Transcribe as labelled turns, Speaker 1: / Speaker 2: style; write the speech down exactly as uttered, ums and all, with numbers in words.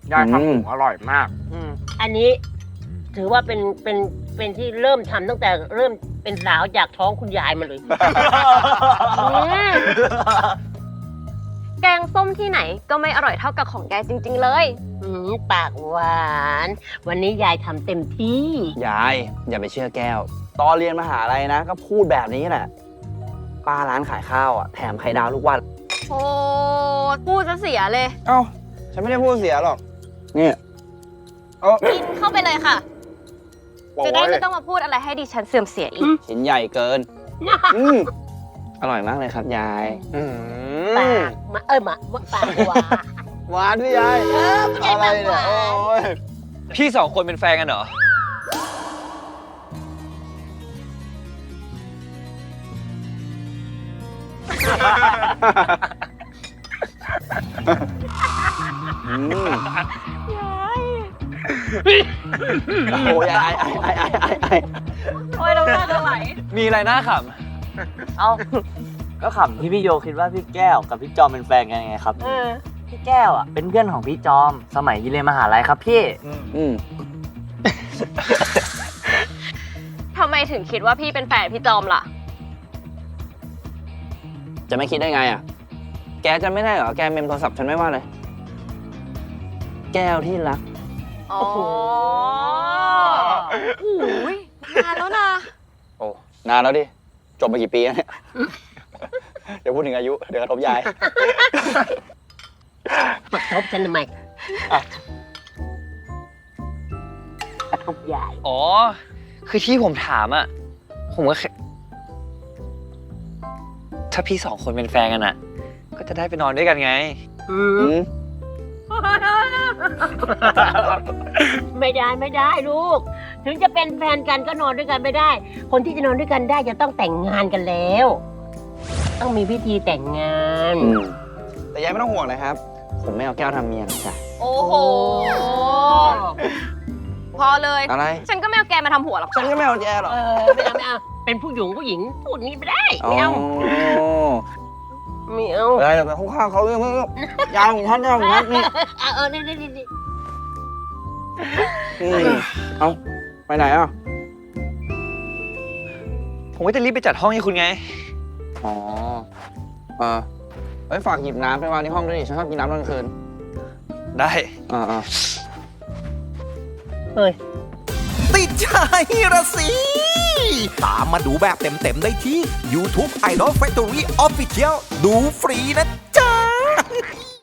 Speaker 1: ยายทำหมูอร่อยมาก
Speaker 2: อันนี้ถือว่าเป็นเป็นเป็นที่เริ่มทำตั้งแต่เริ่มเป็นสาวจากท้องคุณยายมาเลย
Speaker 3: แกงส้มที่ไหนก็ไม่อร่อยเท่ากับของยายจริงๆเลย
Speaker 2: อืมปากหวานวันนี้ยายทำเต็มที่
Speaker 4: ยายอย่าไปเชื่อแก้วตอนเรียนมหาลัยนะก็พูดแบบนี้แหละป้าร้านขายข้าวอ่ะแถมไข่ดาวทุกวัน
Speaker 3: โอ้พูดจะเสียเลย
Speaker 4: เอ้าฉันไม่ได้พูดเสียหรอกนี่
Speaker 3: กินเข้าไปเลยค่ะจะได้ไม่ต้องมาพูดอะไรให้ดิฉันเสื่อมเสียอีก
Speaker 4: ชิ้นใหญ่เกินอร่อยมากเลยครับยาย
Speaker 2: ปากมาเอ้ยมาปากหวาน
Speaker 4: หวานพี่ยายอะไรเนี่ยโอ้ย
Speaker 1: พี่สองคนเป็นแฟนกันเหรอ
Speaker 4: โอ้ยไอ้ไอ้ไอ้ไอ้ไอ้ไอ้
Speaker 3: โอ้ยเราหน้าจะไหล
Speaker 1: มีอะไรน่าข
Speaker 5: ำเอ้าก็ขำที่พี่โยคิดว่าพี่แก้วกับพี่จอมเป็นแฟนกันไงครับ
Speaker 3: เออ
Speaker 5: พี่แก้วอ่ะเป็นเพื่อนของพี่จอมสมัยเรียนมหาลัยครับพี่
Speaker 4: อืม
Speaker 3: ทำไมถึงคิดว่าพี่เป็นแฟนพี่จอมล่ะ
Speaker 4: จะไม่คิดได้ไงอ่ะแกจะไม่ได้เหรอแกเมมโทรศัพท์ฉันไม่ว่าเลยแก้วที่รัก
Speaker 3: อ๋อโอ้ยนานแล้วนะ
Speaker 4: โอ้นานแล้วดิจบมากี่ปีแล้วเนี่ยเดี๋ยวพูดถึงอายุเดี๋ยวกระทบยาย
Speaker 2: กระทบฉันทำไมกระทบยาย
Speaker 1: อ๋อคือที่ผมถามอ่ะผมก็ถ้าพี่สองคนเป็นแฟนกันอ่ะก็จะได้ไปนอนด้วยกันไง
Speaker 2: อืมไม่ได้ไม่ได้ลูกถึงจะเป็นแฟนกันก็นอนด้วยกันไม่ได้คนที่จะนอนด้วยกันได้จะต้องแต่งงานกันแล้วต้องมีพิธีแต่งงาน
Speaker 4: แต่ยายไม่ต้องห่วงเลยครับผมไม่เอาแก้วทำเมียนะจ๊ะ
Speaker 3: โอ้โหพอเลย
Speaker 4: อะไร
Speaker 3: ฉันก็ไม่เอาแกมาทำหัวหรอก
Speaker 4: ฉันก็ไม่เอาแกหรอก
Speaker 2: เออไม่เอาไม่เอาเป็นผู้หญิงผู้หญิงพูดนี้ไม่ได้ไม่เอาไม่เอา
Speaker 4: อะไรแต่ข้างๆเขาเรื่องยาวของฉันยาวของฉันนี่
Speaker 2: เออนี่นี่นี่
Speaker 4: เอาไปไหนอ่ะ
Speaker 1: ผมก็จะรีบไปจัดห้องให้คุณไง
Speaker 4: อ๋อเออไว้ฝากหยิบน้ำไปวางในห้องด้วยดิฉันชอบกินน้ำตอนกลางคืน
Speaker 1: ได้
Speaker 4: อ่าอ่า
Speaker 2: เฮ้ย
Speaker 6: ติดใจระสิตามมาดูแบบเต็มๆได้ที่ YouTube Idol Factory Official ดูฟรีนะจ๊ะ